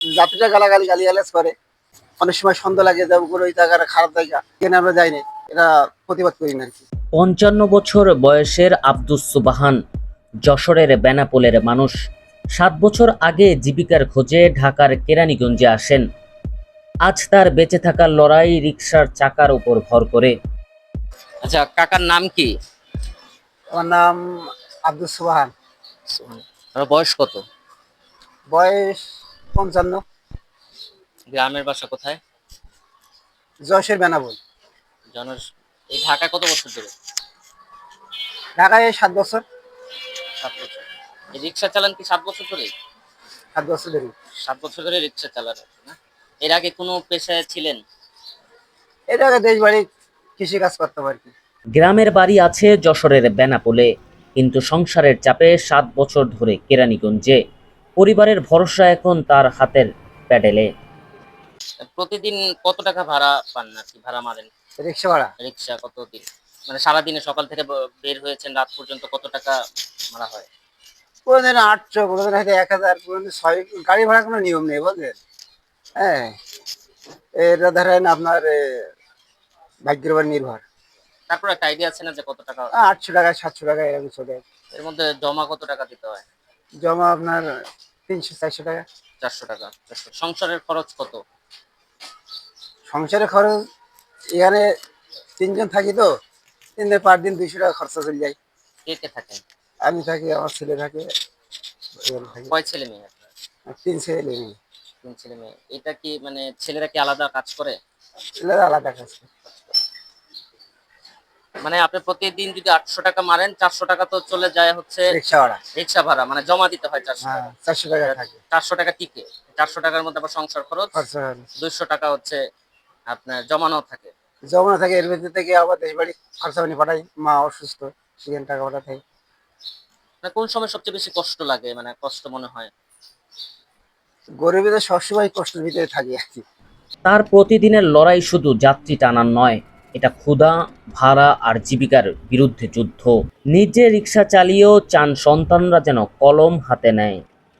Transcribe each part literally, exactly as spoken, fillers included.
যাত্রীরা গালাগালি গালিগালাজ করে। অনেক সময় সন্দেহ লাগে যে ওগুলো ওই জায়গাটা খারাপ জায়গা, এখানে আমরা যাই না, এটা প্রতিবাদ করি না আর কি। পঞ্চান্ন বছর বয়সের আব্দুস সুবাহান যশোরের বেনাপোলের মানুষ। সাত বছর আগে জীবিকার খোঁজে ঢাকার কেরানীগঞ্জে আসেন। আজ তার বেঁচে থাকার লড়াই রিকশার চাকার উপর ভর করে। আচ্ছা, কাকার নাম কি? আমার নাম আব্দুল সুবহান। আপনার বয়স কত? বয়স পঞ্চান্ন। গ্রামের বাসা কোথায়? যশের বেনাবল। জনের এই ঢাকায় কত বছর ধরে? ঢাকায় এই সাত বছর। সাত বছর। এই রিক্সা চালান কি সাত বছর ধরে? সাত বছর ধরে। সাত বছর ধরে রিক্সা চালান না? এর আগে কোনো পেশায় ছিলেন? এটা আগে দেশ বাড়ি কৃষি কাজ করতাম আর কি। গ্রামের বাড়ি আছে যশোরের বেনাপোলে, কিন্তু সংসারের চাপে সাত বছর ধরে কেরানীগঞ্জে। পরিবারের ভরসা এখন তার হাতের প্যাডেলে। প্রতিদিন কত টাকা ভাড়া পান আর কি ভাড়া মারেন? রিক্সা ভাড়া রিক্সা কতদিন, মানে সারাদিনে সকাল থেকে ব- বের হয়েছেন রাত পর্যন্ত কত টাকা মারা হয়? কোনোদিন আটশো, কোনোদিন হয়তো এক হাজার, কোনোদিন ছয়। গাড়ি ভাড়া কোনো নিয়ম নেই বুঝলেন। হ্যাঁ, এটা ধরেন আপনার এ, ভাগ্যের উপর নির্ভর। তারপর একটা আইডিয়া আছে না যে কত টাকা? আটশো টাকা সাতশো টাকা এরকম চলে। এর মধ্যে জমা কত টাকা দিতে হয়? জমা আপনার তিনশো চারশো টাকা। চারশো টাকা। চারশো। সংসারের খরচ কত? সংসারের খরচ এখানে তিনজন থাকি তো, তিন দিন পার দিন দুইশো টাকা খরচা চলে যায়। কে কে থাকেন? আমি থাকি, আমার ছেলে থাকে, এখানে থাকি। কয় ছেলে মেয়ে আপনার? আর তিন ছেলে মেয়ে। তিন ছেলে মেয়ে। এটা কি মানে ছেলেরা কি আলাদা কাজ করে? ছেলেরা আলাদা কাজ করে। মানে আপনি প্রতিদিন যদি আটশো টাকা মারেন, চারশো টাকা তো চলে যায় হচ্ছে রিক্সা ভাড়া। রিক্সা ভাড়া, মানে জমা দিতে হয় চারশো হ্যাঁ, টাকা চারশো টাকা থাকে চারশো টাকা টিকে। চারশো টাকার মধ্যে আবার সংসার খরচ, খরচা হয়। দুইশো টাকা হচ্ছে আপনার জমানো থাকে। জমা থাকে, এর ভিতর থেকে আবার দেশ বাড়ি খরচা পানি পাঠাই। মা অসুস্থ, সেখানে টাকা পাঠাতে। মানে কোন সময় সবচেয়ে বেশি কষ্ট লাগে, মানে কষ্ট মনে হয়? গরিবদের সবসময় কষ্টের ভিতরে থাকি আর কি। তার প্রতিদিনের লড়াই শুধু যাত্রী টানার নয়, এটা ক্ষুধা, ভাড়া আর জীবিকার বিরুদ্ধে যুদ্ধ। নিজে রিক্সা চালিয়েও চান সন্তানরা যেন কলম হাতে নেয়।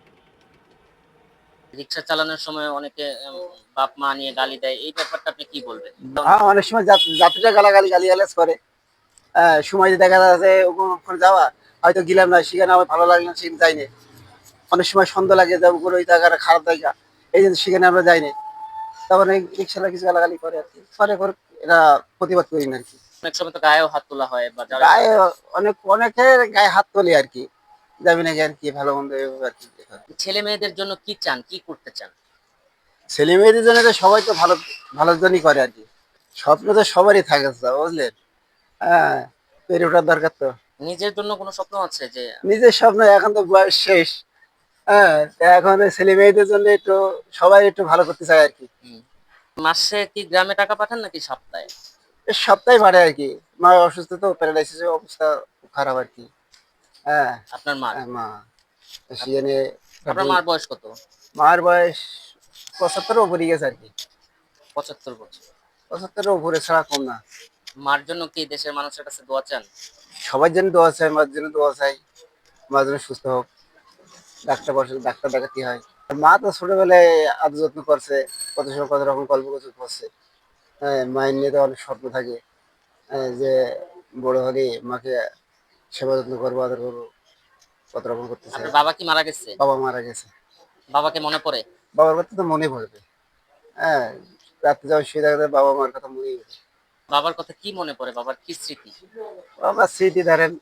রিক্সা চালানোর সময় অনেকে উম, বাপ মা নিয়ে গালি দেয়, এই ব্যাপারটা আপনি কি বলবেন? হ্যাঁ, অনেক সময় যাত- যাত্রীরা গালাগালি গালিগালাজ করে। হ্যাঁ, সময় যে দেখা যাচ্ছে ওখানে যাওয়া, হয়তো গেলাম না, সেখানে আমার ভালো লাগলো না, সেখানে যাই না। অনেক সময় সন্দেহ লাগে যে ওগুলো ওই জায়গাটা খারাপ জায়গা, এই জন্য সেখানে আমরা যাই না। তখন এই রিক্সালা কিছু গালাগালি করে আর কি, করে করে এটা প্রতিবাদ করি না আর কি। অনেক সময় তো গায়েও হাত তোলা হয় বা যারা গায়ে অনেক অনেকের গায়ে হাত তোলে আর কি, যাবি নাকি আর কি, ভালো মন্দ এভাবে আর কি। ছেলে মেয়েদের জন্য কি চান, কি করতে চান? ছেলে মেয়েদের জন্য তো সবাই তো ভালো, ভালোর জন্যই করে আর কি। স্বপ্ন তো সবারই থাকে, বুঝলেন। হ্যাঁ, পেরে ওঠার দরকার তো। নিজের জন্য কোনো স্বপ্ন আছে যে? নিজের স্বপ্ন এখন তো বয়স শেষ। হ্যাঁ, তা এখন ওই ছেলে মেয়েদের জন্য একটু সবাই একটু ভালো করতে চায় আর কি। হুম, মাসে কি গ্রামে টাকা পাঠান নাকি সপ্তাহে? এই সপ্তাহে বাড়ে আর কি। মা অসুস্থ তো, প্যারালাইসিসের অবস্থা খুব খারাপ আর কি। হ্যাঁ। আপনার মার? হ্যাঁ, মা সেখানে। আপনার মার বয়স কত? মার বয়স পঁচাত্তরের উপরে গেছে আর কি। পঁচাত্তর বছর। পঁচাত্তরের উপরে ছাড়া কম না। মার জন্য কি দেশের মানুষের কাছে দোয়া চান? সবার জন্য দোয়া চাই, মার জন্য দোয়া চাই, মার জন্য সুস্থ হোক। ডাক্তার বসে, ডাক্তার দেখাতে হয়। আর মা তো ছোটবেলায় আদর যত্ন করছে, কত সময় কত রকম গল্প গুজব করছে। হ্যাঁ, মায়ের নিয়ে তো অনেক স্বপ্ন থাকে। হ্যাঁ, যে বড় হলে মাকে সেবা যত্ন করবো, আদর করবো, কত রকম করতে চাই। আপনার বাবা কি মারা গেছে? বাবা মারা গেছে। বাবাকে মনে পড়ে? বাবার কথা তো মনে পড়বে। হ্যাঁ, রাত্রে যখন শুয়ে থাকতে বাবা মার কথা মনে পড়ে। বাবার কথা কি মনে পড়ে, বাবার কি স্মৃতি? বাবার স্মৃতি ধরেন,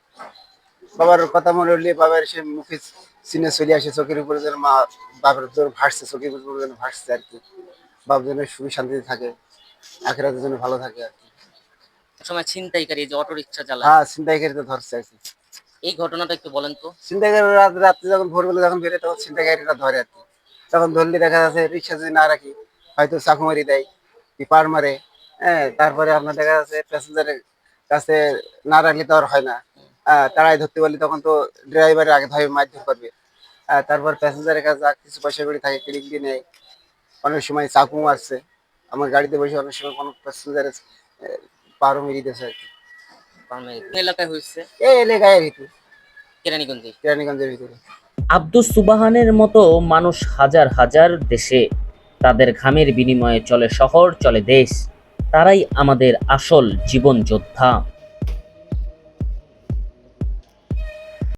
বাবার কথা মনে হলে বাবার সে মুখে সিনে চলে আসে, চোখের উপরে যেন মা বাবার তোর ভাসছে, চোখের উপরে যেন ভাসছে আর কি। বাপ যেন সুখী শান্তিতে থাকে, আখেরাতের জন্য ভালো থাকে আর কি। এক সময় ছিনতাইকারী যে অটো রিক্সা চালায়, হ্যাঁ, ছিনতাইকারী তো ধরছে আর কি। এই ঘটনাটা একটু বলেন তো। ছিনতাইকারী রাত রাত্রে যখন ভোরবেলা যখন বেরোয় তখন ছিনতাইকারীরা ধরে আর কি। তখন ধরলে দেখা যাচ্ছে রিক্সা যদি না রাখি, হয়তো চাকু মারি দেয়, কি পার মারে। হ্যাঁ, তারপরে আপনার দেখা যাচ্ছে প্যাসেঞ্জারের কাছে না রাখলে তো আর হয় না। হ্যাঁ, তারাই ধরতে পারলে তখন তো ড্রাইভারের আগে ধরে মারধর করবে। হ্যাঁ, তারপর প্যাসেঞ্জারের কাছে যা কিছু পয়সা করে থাকে ক্লিক দিয়ে নেয়। অনেক সময় চাকু মারছে, আমার গাড়িতে বসে অনেক সময় কোনো প্যাসেঞ্জারের পারও মেরিয়ে দিয়েছে আর কি। মানে কোন এলাকায় হয়েছে? এই এলাকায় ভিতরে, কেরানীগঞ্জে। কেরানীগঞ্জের ভিতরে। আব্দুস সুবাহানের মতো মানুষ হাজার হাজার দেশে। তাদের ঘামের বিনিময়ে চলে শহর, চলে দেশ। তারাই আমাদের আসল জীবন যোদ্ধা।